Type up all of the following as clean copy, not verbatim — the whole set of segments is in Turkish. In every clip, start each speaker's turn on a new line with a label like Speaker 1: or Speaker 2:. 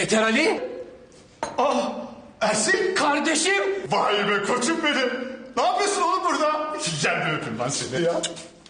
Speaker 1: Beter Ali.
Speaker 2: Ah, Ersin.
Speaker 1: Kardeşim.
Speaker 2: Vay be koçum benim. Ne yapıyorsun oğlum burada? Gel bir öpeyim ben seni ya.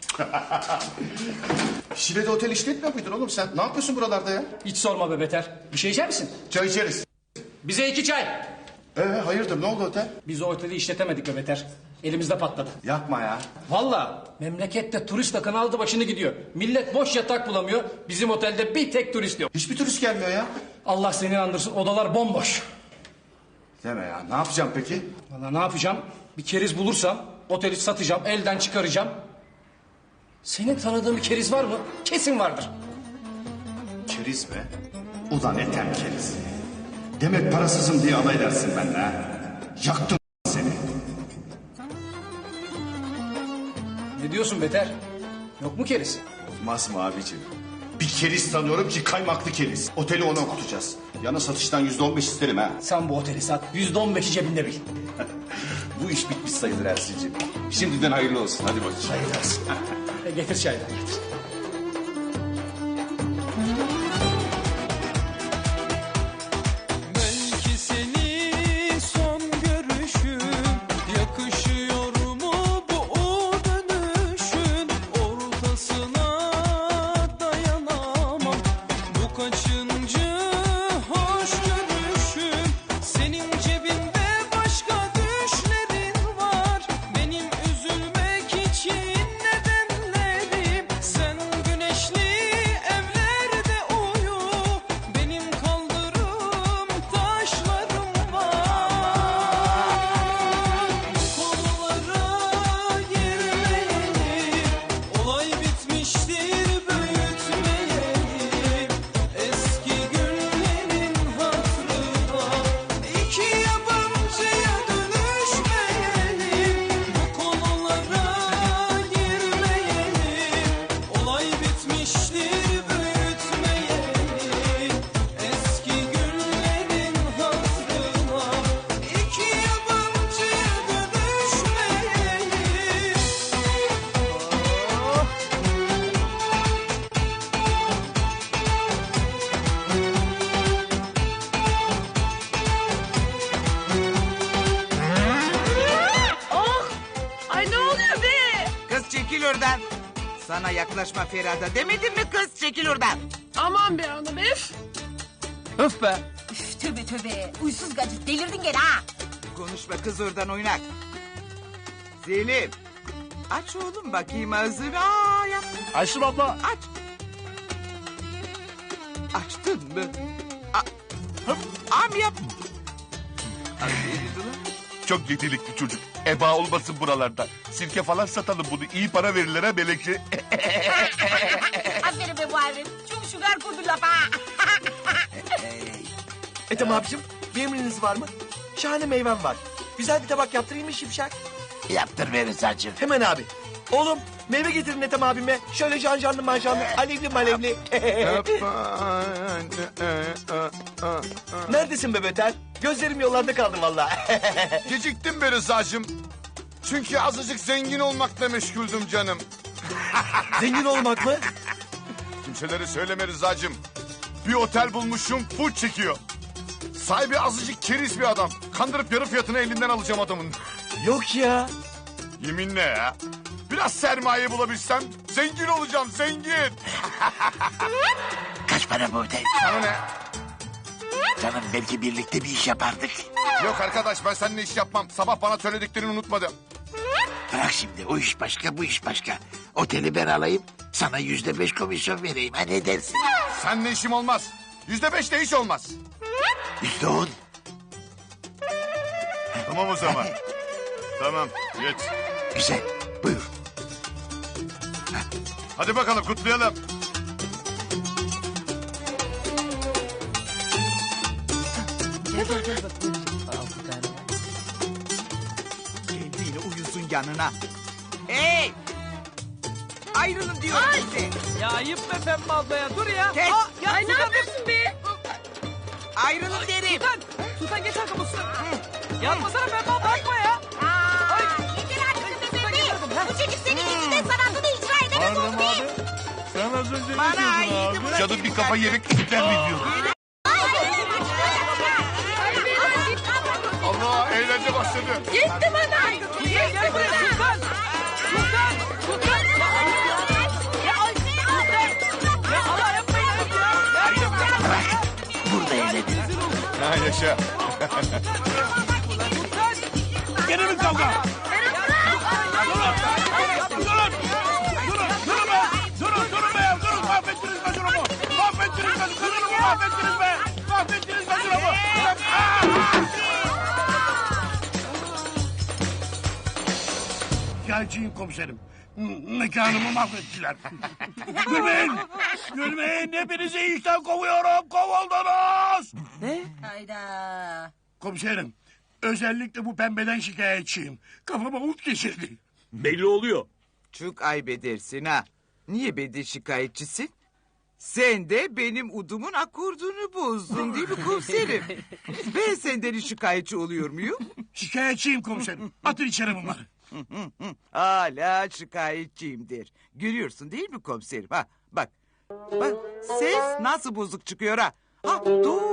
Speaker 2: Şile'de otel işletmiyor muydun oğlum sen? Ne yapıyorsun buralarda ya?
Speaker 1: Hiç sorma be Beter. Bir şey içer misin?
Speaker 2: Çay içeriz.
Speaker 1: Bize 2 çay.
Speaker 2: Hayırdır ne oldu otel?
Speaker 1: Biz o oteli işletemedik be Beter. Elimizde patladı.
Speaker 2: Yapma ya.
Speaker 1: Vallahi memlekette turist akını aldı başını gidiyor. Millet boş yatak bulamıyor. Bizim otelde bir tek turist yok.
Speaker 2: Hiçbir turist gelmiyor ya.
Speaker 1: Allah seni andırsın, odalar bomboş.
Speaker 2: Deme ya, ne yapacağım peki?
Speaker 1: Vallahi ne yapacağım? Bir keriz bulursam oteli satacağım, elden çıkaracağım. Senin tanıdığın bir keriz var mı? Kesin vardır.
Speaker 2: Keriz mi? Ulan etem keriz. Demek parasızım diye alay edersin benimle ha. Yaktım seni.
Speaker 1: Ne diyorsun Beter? Yok mu keriz?
Speaker 2: Olmaz mı abicim? Bir keriz tanıyorum ki kaymaklı keriz. Oteli ona okutacağız. Yana satıştan %15 isterim ha.
Speaker 1: Sen bu oteli sat, %15'i cebinde bil.
Speaker 2: Bu iş bitmiş sayılır Ersin'ciğim. Şimdiden hayırlı olsun. Hadi bakayım. Hayırlı olsun.
Speaker 1: Getir çaydan getir.
Speaker 3: Belki seni son görüşüm yakışıyor mu bu dönüşün ortasına dayanamam bu kaçıncı hoş görüşüm senin cebinde başka düşlerin var benim üzülmek için nedenlerim sen güneşli evlerde uyu benim kaldırım taşlarım var bu konulara girmeyelim olay bitmiştir büyütmeyelim eski günlerin hatırına iki yabancıya dönüşmeyelim bu konulara girmeyelim olay bitmiştir büyütmeyelim eski günlerin hatırına iki yabancıya dönüşmeyelim.
Speaker 4: Oh! Ay ne oluyor be?
Speaker 5: Kız çekil oradan. Sana yaklaşma Ferhat'a demedim mi kız çekil oradan.
Speaker 4: Aman be hanım öf!
Speaker 5: Öf be.
Speaker 6: Üf, tövbe tövbe. Uysuz gacı delirdin gene ha.
Speaker 5: Konuşma kız oradan oynak. Selim. Aç oğlum bakayım ağzını. Aa, yap.
Speaker 2: Ayşem abla.
Speaker 5: Aç. Açtın mı? Am yap. Aferin ulan.
Speaker 7: Çok yetenekli çocuk. Eba olmasın buralarda. Sirke falan satalım bunu. İyi para verirler ha Melekçe.
Speaker 6: Aferin be Muharrem. Çok şugar kurdu lafa.
Speaker 8: Ethem abicim bir emriniz var mı? Şahane meyvem var. Güzel bir tabak yaptırayım mı Şipşak?
Speaker 9: Yaptır verin saçım.
Speaker 8: Hemen abi. Oğlum meyve getirin Ethem abime. Şöyle janjanlı manjanlı, alevli malevli. Neredesin be Beter? Gözlerim yollarda kaldı vallahi.
Speaker 7: Geciktim be Rıza'cığım. Çünkü azıcık zengin olmakla meşguldüm canım.
Speaker 8: Zengin olmak mı?
Speaker 7: Kimselere söyleme Rıza'cığım. Bir otel bulmuşum full çekiyor. Sahibi azıcık keriz bir adam. Kandırıp yarı fiyatını elinden alacağım adamın.
Speaker 8: Yok ya.
Speaker 7: Yeminle ya. Biraz sermaye bulabilsem zengin olacağım zengin.
Speaker 9: Kaç para bu otel?
Speaker 7: Sana ne?
Speaker 9: Canım belki birlikte bir iş yapardık.
Speaker 7: Yok arkadaş ben seninle iş yapmam. Sabah bana söylediklerini unutmadım.
Speaker 9: Bırak şimdi o iş başka bu iş başka. Oteli ben alayım sana %5 komisyon vereyim. Ha ne dersin?
Speaker 7: Seninle işim olmaz. %5 de iş olmaz.
Speaker 9: %10.
Speaker 7: Tamam o zaman. Tamam geç.
Speaker 9: Güzel buyur.
Speaker 7: Hadi bakalım kutlayalım.
Speaker 5: Kendini uyusun yanına. Hey! Ayrılın diyorum size.
Speaker 3: Ya ayıp be Pembe ablaya dur ya.
Speaker 5: Kes.
Speaker 4: Ay ne yapıyorsun be?
Speaker 5: Ayrılın derim.
Speaker 3: Sultan geç arkamı Sultan. Yapmasana Pembe abla bakma ya.
Speaker 6: Aa, yeter artık be bebe. Bu çocuk senin yüzünden sanatını icra edemez oldu be.
Speaker 7: Sen az önce
Speaker 5: Bana iyiydi bırak.
Speaker 7: Canım bir kafa yemek ister mi diyor.
Speaker 6: Ay,
Speaker 7: Eğlence başladı.
Speaker 4: Gitti bana. Gitti bana.
Speaker 3: Sultan. Sultan. Sultan. Ya Allah yapmayın ya.
Speaker 9: Bırak. Burada eğlenelim.
Speaker 7: Ha yaşa.
Speaker 8: Gene mi kavga? Durun be. Durun. Mahvettiniz be durumu. Mahvettiniz be durumu. Mahvettiniz be. Mahvettiniz be durumu. Şikayetçiyim komiserim. Mekanımı mahvettiler. Gülmeyin. Gülmeyin. Hepinizi işten kovuyorum. Kovuldunuz.
Speaker 6: Hayda.
Speaker 8: Komiserim. Özellikle bu pembeden şikayetçiyim. Kafama ult geçirdi.
Speaker 10: Belli oluyor.
Speaker 5: Çok ayıp edersin ha. Niye benden şikayetçisin? Sen de benim udumun akordunu bozdun değil mi komiserim? Ben senden şikayetçi oluyor muyum?
Speaker 8: Şikayetçiyim komiserim. Atın içeri bunları.
Speaker 5: Hala şikayetçiyimdir. Görüyorsun değil mi komiserim? Ha, bak. Bak ses nasıl bozuk çıkıyor ha. Ha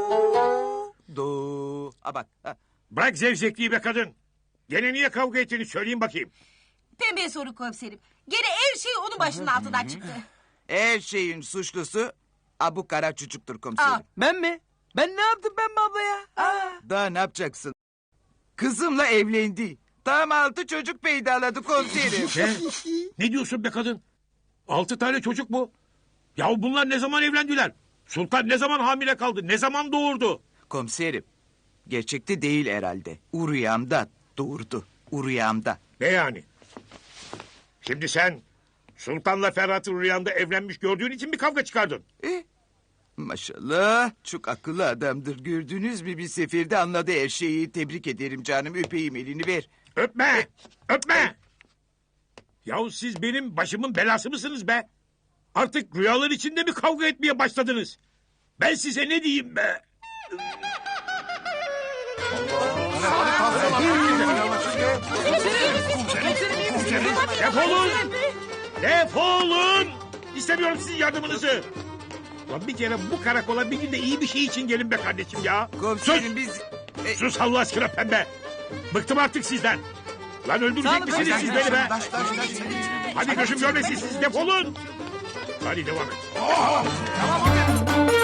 Speaker 5: do. Ha bak. Ha.
Speaker 10: Bırak zevzekliği be kadın. Gene niye kavga ettiğini söyleyin bakayım.
Speaker 6: Pembeye soru komiserim. Gene her şey onun başının altından çıktı.
Speaker 5: Her şeyin suçlusu bu kara çocuktur komiserim.
Speaker 3: Ben mi? Ben ne yaptım Pembe abla ya?
Speaker 5: Daha ne yapacaksın? Kızımla evlendi. Tam 6 çocuk peydaladı komiserim.
Speaker 10: Ne diyorsun be kadın? 6 tane çocuk mu? Ya bunlar ne zaman evlendiler? Sultan ne zaman hamile kaldı? Ne zaman doğurdu?
Speaker 5: Komiserim, gerçekte değil herhalde. Uruyamda doğurdu. Uruyamda.
Speaker 10: Ne yani? Şimdi sen Sultan'la Ferhat'ı rüyanda evlenmiş gördüğün için bir kavga çıkardın.
Speaker 5: Maşallah çok akıllı adamdır. Gördünüz mü bir seferde anladı her şeyi. Tebrik ederim canım. Öpeyim elini ver.
Speaker 10: Öpme! Öpme! Yahu siz benim başımın belası mısınız be? Artık rüyalar içinde mi kavga etmeye başladınız? Ben size ne diyeyim be? Defolun! Defolun! İstemiyorum sizin yardımınızı. Lan bir kere bu karakola bir gün de iyi bir şey için gelin be kardeşim ya.
Speaker 5: Komiserim biz...
Speaker 10: Sus Allah aşkına pembe. Bıktım artık sizden. Lan öldürecek misiniz siz beni be? Hadi gözüm görmesin siz defolun. Hadi devam et.